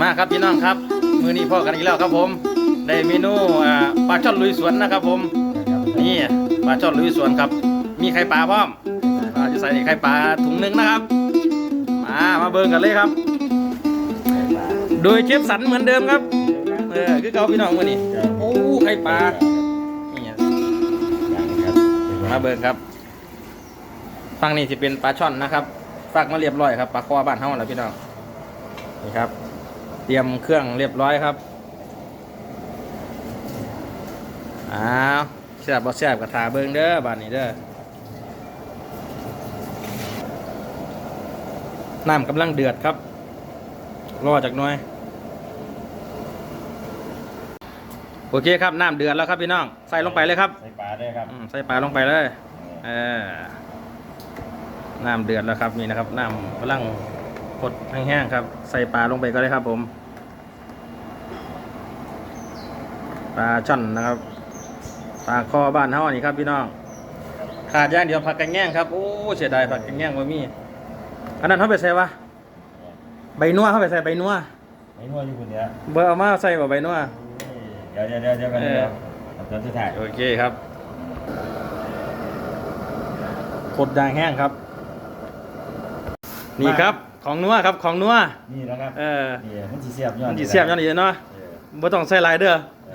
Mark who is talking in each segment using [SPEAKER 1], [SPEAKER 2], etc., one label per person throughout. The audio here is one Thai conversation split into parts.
[SPEAKER 1] มาครับพี่น้องครับมื้อนี้พ่อกันอีกแล้วครับผมได้เมนูปลาช่อนลุยสวนนะครับผมนี่ปลาช่อนลุยสวนครับมีไข่ปลาพร้อมจะใส่ไข่ปลาถุงหนึ่งนะครับมาเบิ่งกันเลยครับโดยเชฟสันเหมือนเดิมครับคือเขาพี่น้องมื้อนี้โอ้ไข่ปลานี่มาเบิ่งครับฝั่งนี้จะเป็นปลาช่อนนะครับฝากมาเรียบร้อยครับปลาคอบ้านเฮาแล้วพี่น้องนี่ครับเตรียมเครื่องเรียบร้อยครับแซ่บบ่แซ่บกระทาเบิ่งเด้อบ้านนี้เด้อน้ำกำลังเดือดครับรอจากหน่อยโอเคครับน้ำเดือดแล้วครับพี่น้องใส่ลงไปเลยครับ
[SPEAKER 2] ใส่ปลาได้ครับ
[SPEAKER 1] ใส่ปลาลงไปเลยน้ำเดือดแล้วครับนี่นะครับน้ำกำลังพดแห้งๆครับใส่ปลาลงไปก็ได้ครับผมปลาช่อนนะครับปลาคอบ้านเฮานี่ครับพี่น้องขาดอย่างเดียวผักกระแง่งครับโอ้เสียดายผักกระแง่งบ่มีอันนั้นเขาไปใส่วะใบนัวเขาไปใส่ใบนัว
[SPEAKER 2] ใบนัวอยู่คนเดียว
[SPEAKER 1] เบอร์เอามาใส่ใบนัว
[SPEAKER 2] เดี๋ยวกันเดี๋ยวตอนสุดท้าย
[SPEAKER 1] โอเคครับกดด่างแห้งครับนี่ครับของนัวครับของนัว
[SPEAKER 2] นี่นะครับนี่มันสีเสียบย้อน
[SPEAKER 1] มันสีเสียบย้อนอีกเนาะบ่ต้องใส่ลายเด้อ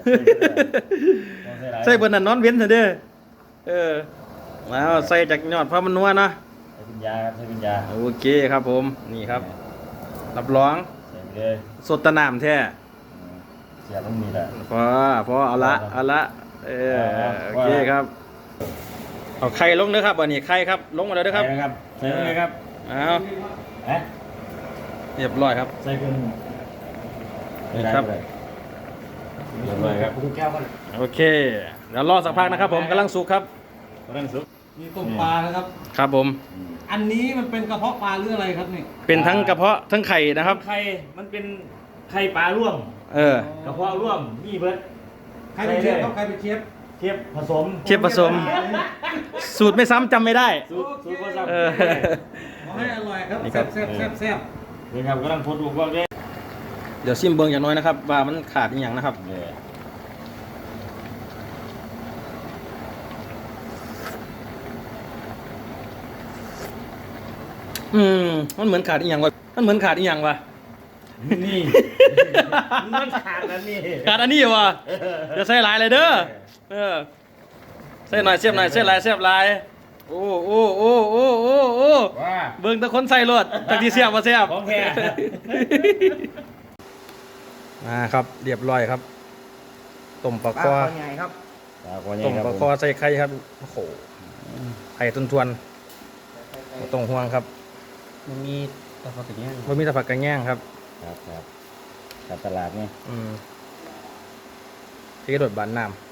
[SPEAKER 1] ใส่เบอร์นั้นนอนเว้นเถอะเด้อแล้วใส่จากยอดเพราะมันนัวเนาะ
[SPEAKER 2] ใส่ปัญญาครับใส่ปัญญา
[SPEAKER 1] โอเคครับผมนี่ครับรับรอง
[SPEAKER 2] ใส่ไปเลย
[SPEAKER 1] สดตะน้ำแท้
[SPEAKER 2] เสียบต้องมีแหละ
[SPEAKER 1] พอเอาละโอเคครับเอาไข่ลงเด้อครับอันนี้ไข่ครับลงมาแล้วเด้อครับ
[SPEAKER 2] ใส่เลยครับ
[SPEAKER 1] เอาเรียบร้อยครับ
[SPEAKER 2] ใส่เครื่อง
[SPEAKER 1] ครับ
[SPEAKER 2] เรียบร้อยครับ
[SPEAKER 1] โอเคเดี๋ยวรอสักพักนะครับผมกำลังสุกครับ
[SPEAKER 2] กำลังสุก
[SPEAKER 3] มีต้มปลานะครับ
[SPEAKER 1] ครับผม
[SPEAKER 3] อันนี้มันเป็นกระเพาะปลาหรืออะไรครับนี่
[SPEAKER 1] เป็นทั้งกระเพาะทั้งไข่นะครับ
[SPEAKER 2] ไข่มันเป็นไข่ปลาร่วมกระเพาะร่วมมีเบิร์ด
[SPEAKER 3] ใครเป็นเชฟครับใครเป็นเชฟ
[SPEAKER 2] ผสม
[SPEAKER 1] สูตรไม่ซ้ำจำไม่ได้
[SPEAKER 2] สูตรผสม
[SPEAKER 3] ขอให้อร่อยครับแซ่บ
[SPEAKER 2] นี่ครับกำลังพดลูกบอกเลย
[SPEAKER 1] เดี๋ยวซิมเบิ้งอย่างน้อยนะครับว่ามันขาดอย่างนะครับมันเหมือนขาดอีกอย่างวะมันเหมือนขาดอีกอย่างวะ
[SPEAKER 2] นี่มันขาดอันนี้
[SPEAKER 1] ขาดอันนี้วะจะใส่ลายเลยเด้อใส่หน่อยเสียบหน่อยใส่ลายเสียบลายโอ้เบิ้งตะคนใส่รถตะที่เสียบมาเสียบ
[SPEAKER 2] ของแท้
[SPEAKER 1] ครับเรียบร้อยครับต้มปลาคอต้มปลาคอใส่ไข่ครับโอ้โหไข่ทวนๆตรงห่วงครับ
[SPEAKER 3] มันมีตะผักกระแยง
[SPEAKER 1] มันมีตะผักกระแยงครับ
[SPEAKER 2] ครับตลาดนี่
[SPEAKER 1] ที่กระโดดบานน้ำ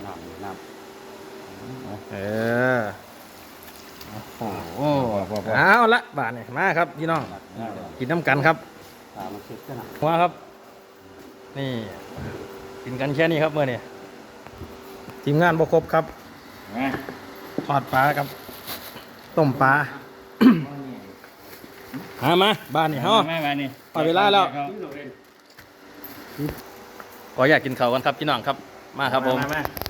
[SPEAKER 1] เอาละบานนี่มาครับพี่น้องกินน้ำกันครับมาครับนี่กินกันแค่นี้ครับเมื่อนี่ทีมงานบกครบครับทอดปลาครับต้มปลามาบ้านนี่ฮะพอเวลาแล้วขออยากกินข้าวกันครับพี่น้องครับมาครับผม